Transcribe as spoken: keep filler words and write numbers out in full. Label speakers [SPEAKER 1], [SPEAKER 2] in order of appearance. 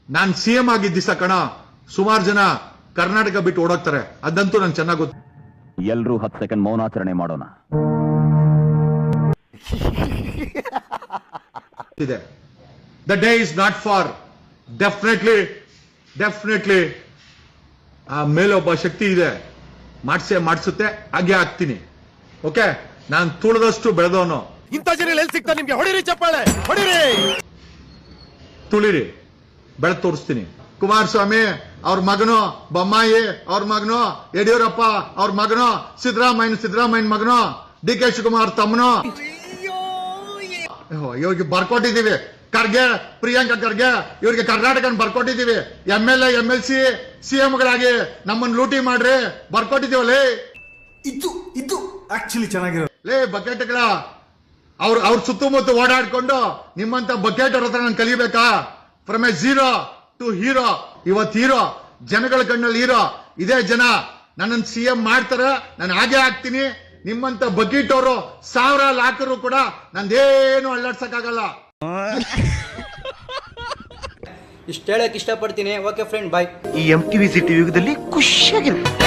[SPEAKER 1] ನಾನ್ CM ಆಗಿದ್ದ ದಿವಸ ಕಣ ಸುಮಾರು ಜನ ಕರ್ನಾಟಕ ಬಿಟ್ಟು ಓಡೋಗ್ತಾರೆ, ಅದಂತೂ ನಂಗೆ ಚೆನ್ನಾಗಿ ಗೊತ್ತು.
[SPEAKER 2] ಎಲ್ರೂ ಹತ್ತು ಸೆಕೆಂಡ್ ಮೌನಾಚರಣೆ ಮಾಡೋಣ.
[SPEAKER 1] ಇದೆ the day is not for definitely definitely ಆ ಮೇಲೊಬ್ಬ ಶಕ್ತಿ ಇದೆ, ಮಾಡ್ಸೇ ಮಾಡಿಸುತ್ತೆ, ಹಾಗೆ ಆಗ್ತೀನಿ. ಓಕೆ, ನಾನು ತುಳಿದಷ್ಟು ಬೆಳೆದವನು.
[SPEAKER 3] ಇಂಥ ಜನ ಎಲ್ಲಿ ಸಿಗ್ತಾರೆ ನಿಮ್ಗೆ? ಹೊಡಿರಿ ಚಪ್ಪಾಳೆ, ಹೊಡಿರಿ,
[SPEAKER 1] ತುಳಿರಿ, ಬೆಳೆದು ತೋರಿಸ್ತೀನಿ. ಕುಮಾರಸ್ವಾಮಿ ಅವ್ರ ಮಗನು, ಬೊಮ್ಮಾಯಿ ಅವ್ರ ಮಗನು, ಯಡಿಯೂರಪ್ಪ ಅವ್ರ ಮಗನು, ಸಿದ್ದರಾಮಯ್ಯ ಸಿದ್ದರಾಮಯ್ಯ ಮಗನು, ಡಿ ಕೆ ಶಿವಕುಮಾರ್ ತಮ್ಮನು, ಇವ್ರಿಗೆ ಬರ್ಕೊಟ್ಟಿದ್ದೀವಿ. ಖರ್ಗೆ, ಪ್ರಿಯಾಂಕಾ ಖರ್ಗೆ, ಇವ್ರಿಗೆ ಕರ್ನಾಟಕ ಬರ್ಕೊಟ್ಟಿದ್ದೀವಿ. M L A M L C ಸಿಎಂಗಳಾಗಿ ನಮ್ಮನ್ನ ಲೂಟಿ ಮಾಡ್ರಿ ಬರ್ಕೊಟ್ಟಿದ್ದೀವಲ್ಲೇ.
[SPEAKER 4] ಇದು ಇದು ಆಕ್ಚುಲಿ ಚೆನ್ನಾಗಿರೋ
[SPEAKER 1] ಲೇ ಬಕೆಟ್ಗಳ ಅವ್ರ ಅವ್ರ ಸುತ್ತಮುತ್ತ ಓಡಾಡ್ಕೊಂಡು ನಿಮ್ಮಂತ ಬಕೆಟ್ ಅವ್ರ ಹತ್ರ ನಾನು ಕಲಿಬೇಕಾ? From a zero to hero. ಇವತ್ತು ಹೀರೋ, ಜನಗಳ ಕಣ್ಣಲ್ಲಿ ಹೀರೋ. ಇದೇ ಜನ ನನ್ನನ್ನು ಸಿಎಂ ಮಾಡ್ತಾರೆ, ನಾನು ಹಾಗೆ ಆಗ್ತೀನಿ. ನಿಮ್ಮಂತ ಬಕೆಟ್ ಅವರು ಸಾವಿರ ಲಾಕರು ಕೂಡ ನಂದೇನು ಅಲ್ಲಾಡ್ಸಕ್ಕಾಗಲ್ಲ.
[SPEAKER 5] ಇಷ್ಟ ಹೇಳಕ್ ಇಷ್ಟಪಡ್ತೀನಿ. Okay friend, bye.
[SPEAKER 3] ಈ ಎಂ ಟಿವಿ ಸಿಟಿ ಯುಗದಲ್ಲಿ ಖುಷಿಯಾಗಿರುತ್ತೆ.